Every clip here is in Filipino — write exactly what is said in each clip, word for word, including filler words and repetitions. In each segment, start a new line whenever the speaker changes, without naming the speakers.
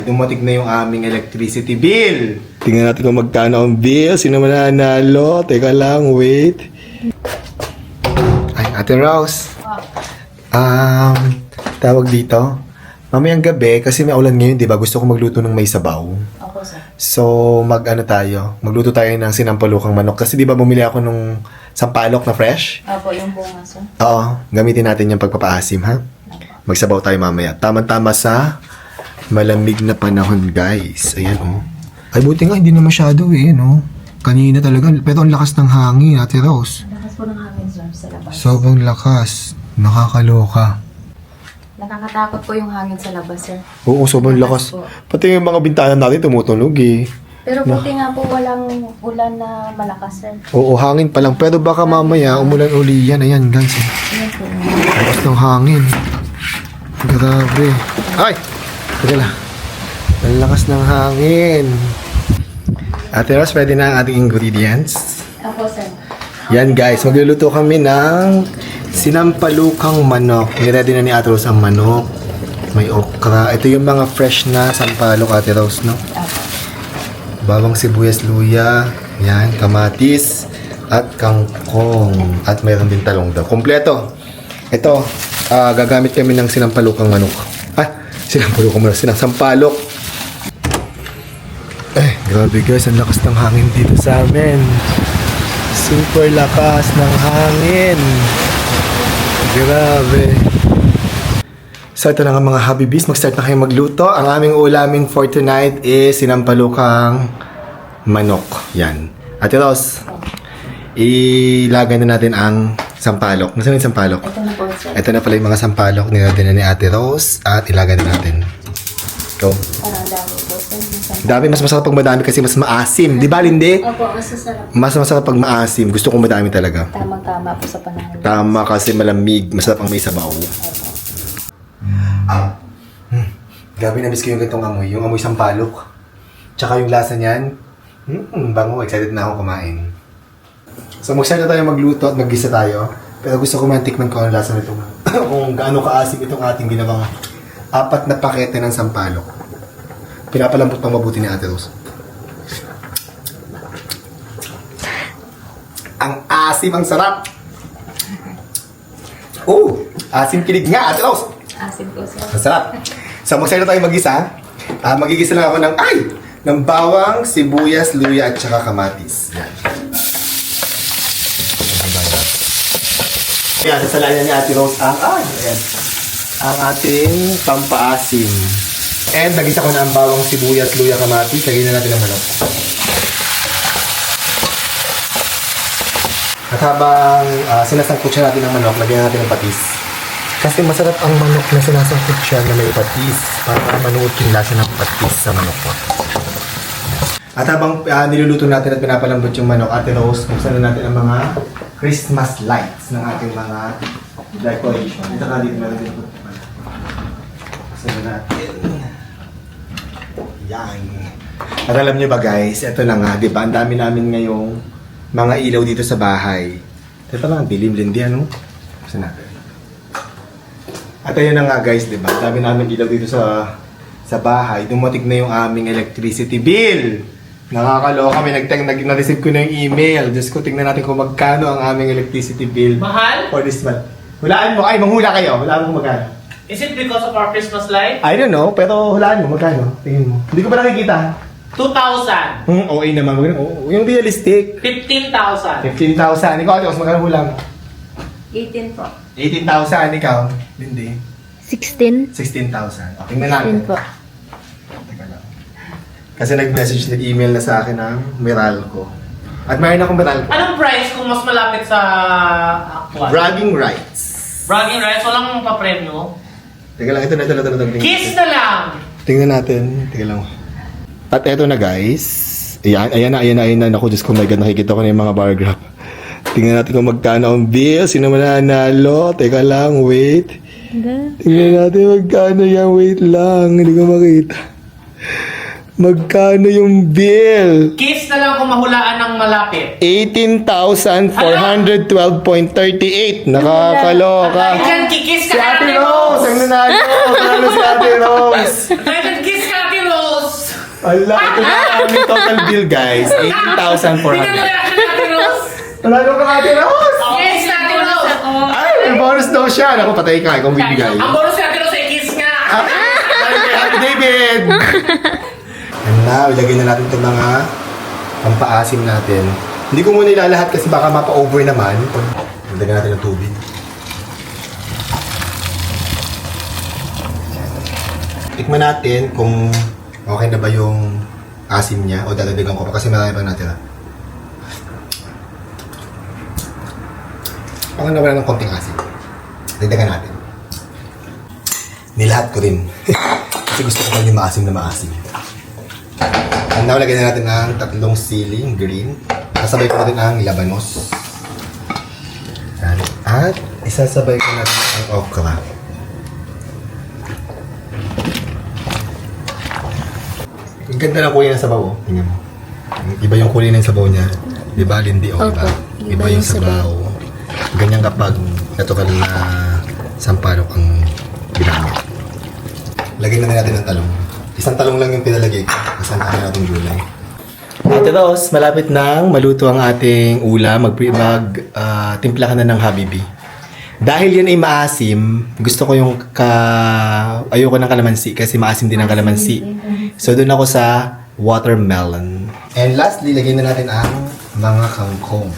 Dumating na yung aming electricity bill. Tingnan natin kung magkano ang bill. Sino man nanalo? Teka lang, wait. Ay, Ate Rose. Um, tawag dito. Mamayang gabi, kasi may ulan ngayon, di ba? Gusto ko magluto ng may sabaw.
Opo, sir.
So, mag-ano tayo? Magluto tayo ng sinampalukang manok. Kasi di ba bumili ako nung sampalok na fresh?
Opo, yung bunga, sir.
Oo, gamitin natin yung pagpapaasim, ha? Magsabaw tayo mamaya. Tama-tama sa malamig na panahon, guys. Ayan, oh. Ay, buti nga, hindi na masyado, eh, no? Kanina talaga. Pero ang lakas ng hangin, Ate Rose.
Lakas po ng hangin, sir, sa labas.
Sobrang lakas. Nakakaloka.
Nakakatakot po yung hangin sa labas, sir.
Oo, sobrang lakas.
po.
Pati yung mga bintana natin tumutunog, eh.
Pero buti nga po walang ulan na malakas, sir.
Oo, hangin pa lang. Pero baka mamaya, umulan uli yan. Ayan, guys. Eh.
Ayan po.
Lakas ng hangin. Grabe. Ay! Teka lang. Ang lakas ng hangin. Ate Rose, pwede na ang ating ingredients.
Opo, sir.
Yan guys, magluluto kami ng sinampalukang manok. Niready na ni Ate Rose ang manok. May okra. Ito yung mga fresh na sampalok, Ate Rose, no?
Opo.
Bawang sibuyas, luya, yan, kamatis, at kangkong. At mayroon din talong daw. Kompleto. Ito, ah, gagamit kami ng sinampalukang manok. Ah, sinampalukang manok, sinasampalok. Eh, grabe guys, ang lakas ng hangin dito sa amin. Super lakas ng hangin. Grabe. So ito na nga mga Habibis, mag-start na kayo magluto. Ang aming ulamin for tonight is sinampalukang manok. Yan. Ate Rose, ilagay na natin ang sampalok. Nasaan yung sampalok?
Ito na po, sir.
Ito na pala yung mga sampalok. Nilagay na ni Ate Rose at ilagay na natin. Go.
Parang dami po, sir.
Dami, mas masarap pag madami kasi mas maasim. Di ba, Linde?
Opo, masasarap.
Mas masarap pag maasim. Gusto ko madami talaga.
Tamang-tama po sa panahon.
Tama kasi malamig. Masarap ang may sabaw.
Opo.
Hmm. Grabe na miss ko yung ganitong amoy. Yung amoy sampalok. Tsaka yung lasa niyan. Hmm, bango. Excited na ako kumain. So mag-start na tayo magluto at mag-gisa tayo. Pero gusto ko man tikman ko ang lasa nito. Kung gaano kaasim itong ating ginawang apat na pakete ng sampalok. Pinapalambot pang mabuti ni Ate Rose. Ang asim, ang sarap! Oh! Asim kilig nga, Ate Rose!
Asin po, sir.
Ang sarap! So mag-start na tayo mag-gisa. Ah, magigisa lang ako ng, ay! Ng bawang, sibuyas, luya, at saka kamatis. Yan. Yan, sasalayan ni Ate Rose ang, ay, ayan, ang ating pampaasim. And nagisa ko na ang bawang, sibuyas, luya, kamatis. Lagyan na natin ang manok. At habang uh, sinasangkot siya natin ng manok, lagyan natin ng patis. Kasi masarap ang manok na sinasangkot siya na may patis. Para manuot yung lasa ng patis sa manok ko. At habang uh, niluluto natin at pinapalambot yung manok, Ate Rose, buksan na natin ang mga Christmas lights ng ating mga decoration. Ito na dito meron din. Buksan na natin. Yan. At alam nyo ba guys, ito na nga, di ba? Ang dami namin ngayong mga ilaw dito sa bahay. Ito lang, dilim lindi, ano? Buksan natin. At ayun na nga guys, di ba? Ang dami namin ilaw dito sa sa bahay. Dumating na yung aming electricity bill. Nakakaloka kami, nag nag na-receive ko na yung email. Diyos ko, tingnan natin kung magkano ang aming electricity bill.
Mahal?
For this month. Hulaan mo. Ay, manghula kayo. Hulaan mo magkano.
Is it because of our Christmas light?
I don't know, pero hulaan mo magkano. Tingin mo. Hindi ko pa nakikita.
two thousand.
Hmm, okay naman. Oh, yung realistic.
fifteen thousand.
fifteen thousand. Ikaw, Ate, magkano hulang?
eighteen po.
eighteen thousand. Ikaw, Lindy.
sixteen?
sixteen thousand. Okay, tingnan natin.
sixteen po.
Teka lang. Kasi nag-message, nag-email na sa akin ng Meralco. At mayroon akong Meralco.
Anong price kung mas malapit sa actual?
Bragging rights.
Bragging rights? Walang papremyo?
Teka lang, ito na, ito na, ito na. Tingnan
Kiss
natin.
na lang!
Tingnan natin. Teka lang. At eto na guys. Ayan, ayan na, ayan na, ayan na. Naku, Diyos ko, my God, nakikita ko na yung mga bar graph. Tingnan natin kung magkano ang bill. Sino man nanalo? Teka lang, wait. Tingnan natin magkano yan. Wait lang, hindi ko makita. Magkano yung bill?
Kiss na lang kung mahulaan ng malapit.
eighteen thousand four hundred twelve point three eight. Nakakaloka.
At dyan, kikis
Si
ka
Ate
Ate
Rose! Ang
Rose!
nanalo! Nanalo si Ate Rose!
At dyan, kiss ka Ate Rose!
Ala, ito na ang aming total bill, guys. eighteen thousand four
Tingnan mo
hundred.
reaction ni Ate Rose.
Wala nung kakati Rose!
Yes, Ate Rose.
Ay, may bonus daw siya. Naku, patay ka. Ikaw bibigay.
Ang bonus ni Ate Rose ay kiss nga.
Ay, kay Happy David! And now, ilagay na natin itong mga pampaasim natin. Hindi ko muna ilalahat kasi baka mapa-over naman. Ilagay natin ng tubig. Tikman natin kung okay na ba yung asim niya o dadagdagan ko pa kasi marami pang natira. Baka nawala ng konting asim. Dagdagan natin. Nilahat ko rin. Kasi gusto ko pa yung maasim na maasim. And now, lagyan na natin ang tatlong siling green. Kasabay ko natin ang labanos. Yan. At isasabay ko natin ang okra. Ang ganda ng kulay ng sabaw, oh. Tingnan mo. Iba yung kulay ng sabaw niya. Di ba, Lindy? O,
Opo.
iba. Iba yung sabaw. Ganyan kapag natural na sampalok ang ginamit. Lagyan na natin ng talong. Isang talong lang yung pinalagay ko. Kasi ang natin gulay. Ate Rose, malapit nang maluto ang ating ulam. Mag, mag ah, timpla ka na ng Habibi. Dahil yan ay maasim, gusto ko yung ka... ayoko ng kalamansi kasi maasim din ang kalamansi. So doon ako sa watermelon. And lastly, lagyan na natin ang mga kangkong.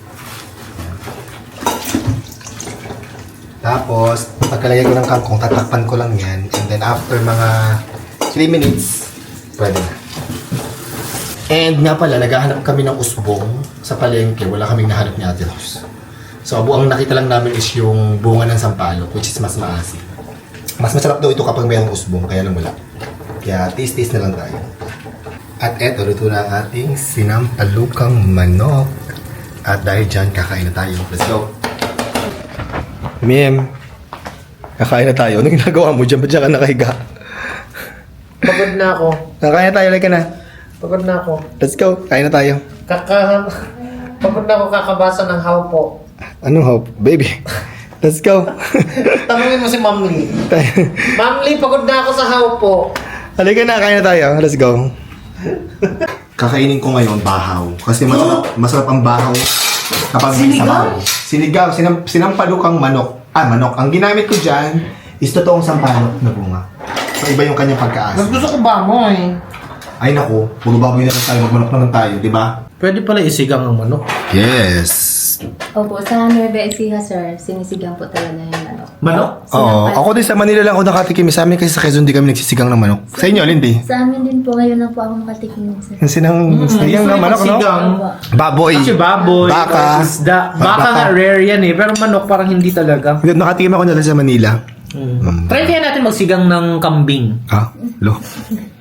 Tapos, pagkalagay ko ng kangkong, tatakpan ko lang yan. And then after mga three minutes, pwede na. And nga pala, naghahanap kami ng usbong sa palengke. Wala kaming nahanap ni Ate Rose. So, ang nakita lang namin is yung bunga ng sampalok, which is mas maasim. Mas masarap daw ito kapag mayroong usbong, kaya lang wala. Kaya, taste-taste na lang tayo. At eto, luto na ang ating sinampalukang manok. At dahil dyan, kakain na tayo. Let's go! Miem, kakain na tayo. Ano ginagawa mo dyan? Ba't dyan ka nakahiga?
Pagod na ako.
Kakain na tayo, like ka na.
Pagod na ako.
Let's go, kain na tayo.
Kaka... Pagod na ako kakabasa ng hawpo.
Anong hope? Baby, let's go.
Tanungin mo si Ma'am Lee. Ma'am Lee, pagod na ako sa hawpo.
Halika na, kain na tayo. Let's go. Kakainin ko ngayon bahaw. Kasi masarap, masarap ang bahaw kapag may sabaw. Sinigaw. Sinam, sinampalukang manok. Ah, manok. Ang ginamit ko dyan is totoong sampalok na bunga. So, iba yung kanyang
Mas
pagkaas.
gusto ko baboy.
Ay, naku. Puro baboy na lang tayo. Magmanok naman tayo, di ba?
Pwede pala isigang ang manok.
Yes.
Opo, sa Nueva Ecija, sir, sinisigang po talaga yung manok.
Manok?
Oo. Ako din sa Manila lang ako nakatikim. Sa amin kasi sa Quezon di kami nagsisigang ng manok. Sa inyo, Lindy?
Sa amin din po, ngayon lang po ako makatikim, sir.
Yung sinang sinigang ng manok, no?
Sigang.
Baboy.
Kasi baboy,
Baka.
isda. Baka
Baka.
nga rare yan eh. Pero manok parang hindi talaga.
Nakatikim ako na sa Manila.
Mm. Try kaya natin magsigang ng kambing.
Ha? Lo?